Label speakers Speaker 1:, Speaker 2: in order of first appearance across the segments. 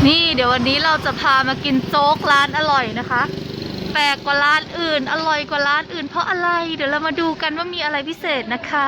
Speaker 1: นี่เดี๋ยววันนี้เราจะพามากินโจ๊กร้านอร่อยนะคะแปลกกว่าร้านอื่นอร่อยกว่าร้านอื่นเพราะอะไรเดี๋ยวเรามาดูกันว่ามีอะไรพิเศษนะคะ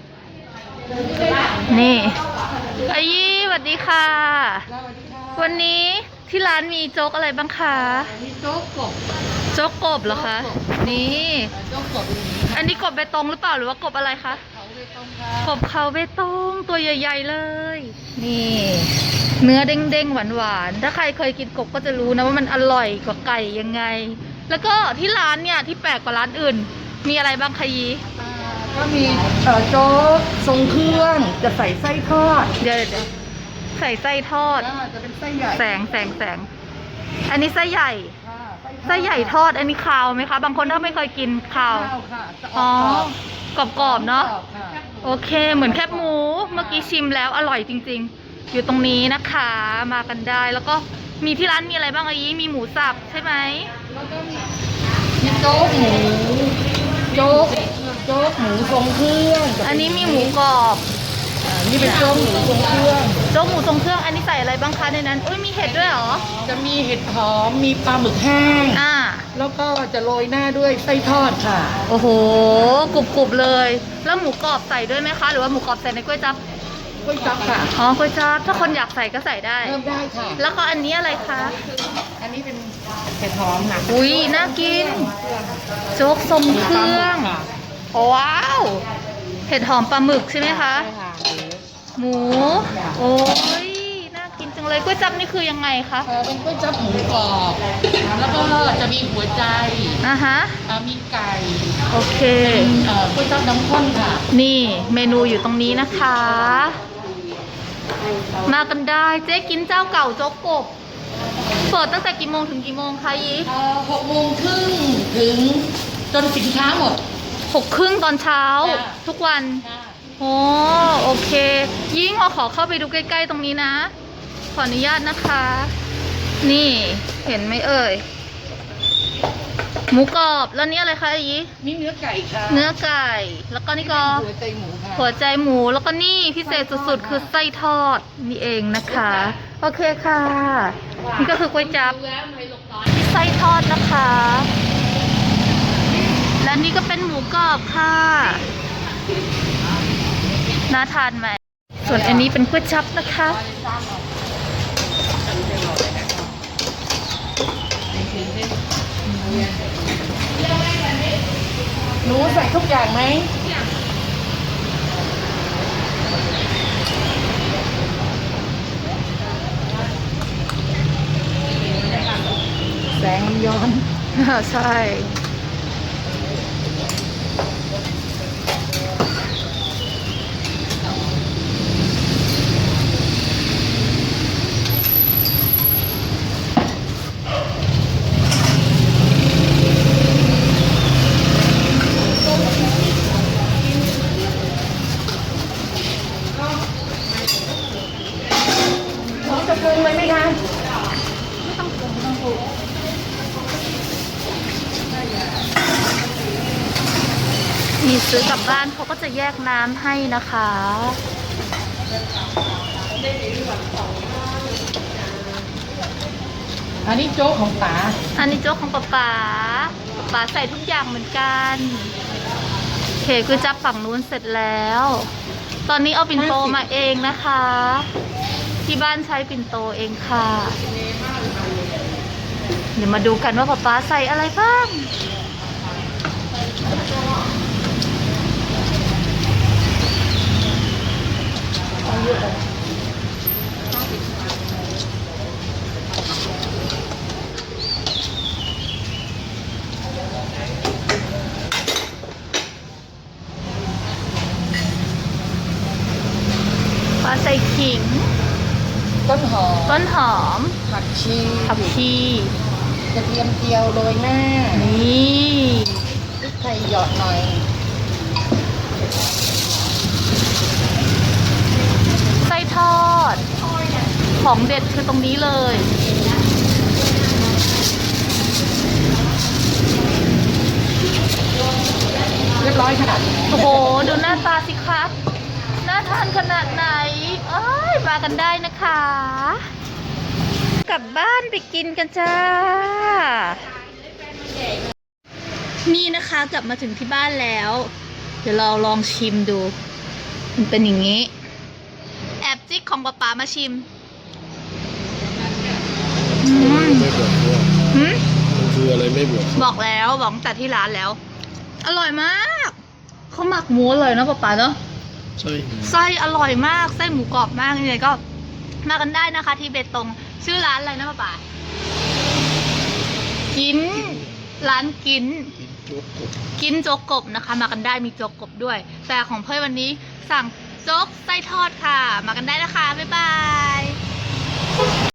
Speaker 1: นี่อายี่สวัสดีค่ะวันนี้ที่ร้านมีโจ๊กอะไรบ้างคะ
Speaker 2: มีโจ๊กกบ
Speaker 1: โจ๊กกบเหรอคะนี่
Speaker 2: โจ๊กกบ
Speaker 1: อันนี้กบเบตงหรือเปล่าหรือว่ากบอะไรคะ
Speaker 2: เขาเบตงค่ะ
Speaker 1: กบเขาเบตงตัวใหญ่ๆเลยนี่เนื้อเด้งๆหวานๆถ้าใครเคยกินกบก็จะรู้นะว่ามันอร่อยกว่าไก่ยังไงแล้วก็ที่ร้านเนี่ยที่แปลกกว่าร้านอื่นมีอะไรบ้างคะยี
Speaker 2: ก็มีโจ๊กทรงเครื่องจะใส่ไส้ทอด
Speaker 1: เดี๋ยวใส่ไส้ทอด
Speaker 2: จะเป็นไส้ใหญ่
Speaker 1: แสงอันนี้ไส้ใหญ่ไส้ใหญ่ทอดอันนี้คาวไหมคะบางคนถ้าไม่เคยกินคาวอ๋อกรอบๆเนาะโอเคเหมือนแคบหมูเมื่อกี้ชิมแล้วอร่อยจริงๆอยู่ตรงนี้นะคะมากันได้แล้วก็มีที่ร้านมีอะไรบ้างอายีมีหมูสับใช่ไหม
Speaker 2: แล้วก็มีโจ๊กหมูโจ๊กหมูทรงเครื่อง
Speaker 1: อันนี้มีหมูกรอบ
Speaker 2: นี่เป็นโจ๊กหมูทรงเครื่อง
Speaker 1: โจ๊กหมูทรงเครื่องอันนี้ใส่อะไรบ้างคะในนั้นอุ้ยมีเห็ดด้วยเหรอ
Speaker 2: จะมีเห็ดหอมมีปลาหมึกแห้งแล้วก็จะโรยหน้าด้วยไส้ทอดค่ะ
Speaker 1: โอ้โหกรุบๆเลยแล้วหมูกรอบใส่ด้วยไหมคะหรือว่าหมูกรอบใส่ในก๋วยจั๊บ
Speaker 2: ค่ะ
Speaker 1: อ๋อก๋วยจั๊บถ้าคนอยากใส่ก็ใส่ได้
Speaker 2: เพิ่มได้ค่ะ
Speaker 1: แล้วก็อันนี้อะไรคะ
Speaker 2: อันนี้เป็นเห็ดหอมค่ะ
Speaker 1: อุ้ยน่ากินโจ๊กทรงเครื่องว้าวเห็ดหอมปลาหมึกใช่ไหมคะหมูโอ้ยน่ากินจังเลยก๋วยจั๊บนี่คือยังไงคะ
Speaker 2: เป็นก๋วยจั๊บหมูกรอบแล้วก็จะมีหัวใจมีไก่
Speaker 1: โอเค
Speaker 2: ก๋วยจั๊บน้ำข้นค่ะ
Speaker 1: นี่เมนูอยู่ตรงนี้นะคะมากันได้เจ๊กินเจ้าเก่าโจ๊กกบเปิดตั้งแต่กี่โมงถึงกี่โมงคะยี
Speaker 2: 6:30ถึงจนสินค้าหมด
Speaker 1: 6:30ตอนเช้าทุกวันโอ้โอเคยิ่งขอเข้าไปดูใกล้ๆตรงนี้นะขออนุญาตนะคะนี่เห็นไหมเอ่ยหมูกรอบแล้วนี่อะไรคะอี
Speaker 2: นี่เนื้อไก่ค่ะ
Speaker 1: เนื้อไก่แล้วก็นี่ก็
Speaker 2: หัวใจหมูค่ะ
Speaker 1: หัวใจหมูแล้วก็นี่พิเศษสุดๆคือไส้ทอดนี่เองนะคะโอเคค่ะนี่ก็คือก๋วยจั๊บไส้ทอดนะคะและนี่ก็เป็นหมูกรอบค่ะน่าทานไหมส่วนอันนี้เป็นก๋วยจั๊บนะคะ
Speaker 2: หนูใส่ทุกอย่างไหมแสงมันย้อน
Speaker 1: ใช่
Speaker 2: จะปรุงเลยไหมคะ
Speaker 1: ไม่ต้องปรุงมีซื้อกลับบ้านเขาก็จะแยกน้ำให้นะคะ
Speaker 2: อันนี้โจ๊กของป๋า
Speaker 1: อันนี้โจ๊กของป๋าใส่ทุกอย่างเหมือนกันโอเคคือจับฝั่งนู้นเสร็จแล้วตอนนี้เอาปิ่นโตมาเองนะคะที่บ้านใช้ปิ่นโตเองค่ะเดี๋ยวมาดูกันว่าป๊าใส่อะไรบ้างป๊าใส่ขิง
Speaker 2: ต้นหอมผักชีกระเทียมเจียวโรยหน้า
Speaker 1: นี่
Speaker 2: พริกไทยหยอดหน่อย
Speaker 1: ไส้ทอดของเด็ดคือตรงนี้เลย
Speaker 2: เรียบร้อยค่ะ
Speaker 1: โอ้โหดูหน้าตาสิครับน่าทานขนาดไหนเอ้ยมากันได้นะคะกลับบ้านไปกินกันจ้า นี่นะคะกลับมาถึงที่บ้านแล้ว เดี๋ยวเราลองชิมดู มันเป็นอย่างนี้ แอบจิ๊กของป๊าป๊ามาชิม
Speaker 3: ไม่บอกว่า
Speaker 1: หืม
Speaker 3: มันคืออะไรไม่บอก
Speaker 1: บอกแล้วบอกตั้งแต่ที่ร้านแล้ว อร่อยมาก เขาหมักหมูอร่อยเนอะป๊าป๊าเนอะ
Speaker 3: ใช่
Speaker 1: ไส้อร่อยมาก ไส้หมูกรอบมากยังไงก็มากันได้นะคะ ที่เบตง ชื่อร้านอะไรนะป๊าป๊ากิน ร้านกิน
Speaker 3: โจ๊กกบ
Speaker 1: กินโจ๊กกบนะคะ มากันได้มีโจ๊กกบด้วย แต่ของเพื่อนวันนี้สั่งโจ๊กไส้ทอดค่ะ มากันได้นะคะ บ๊ายบาย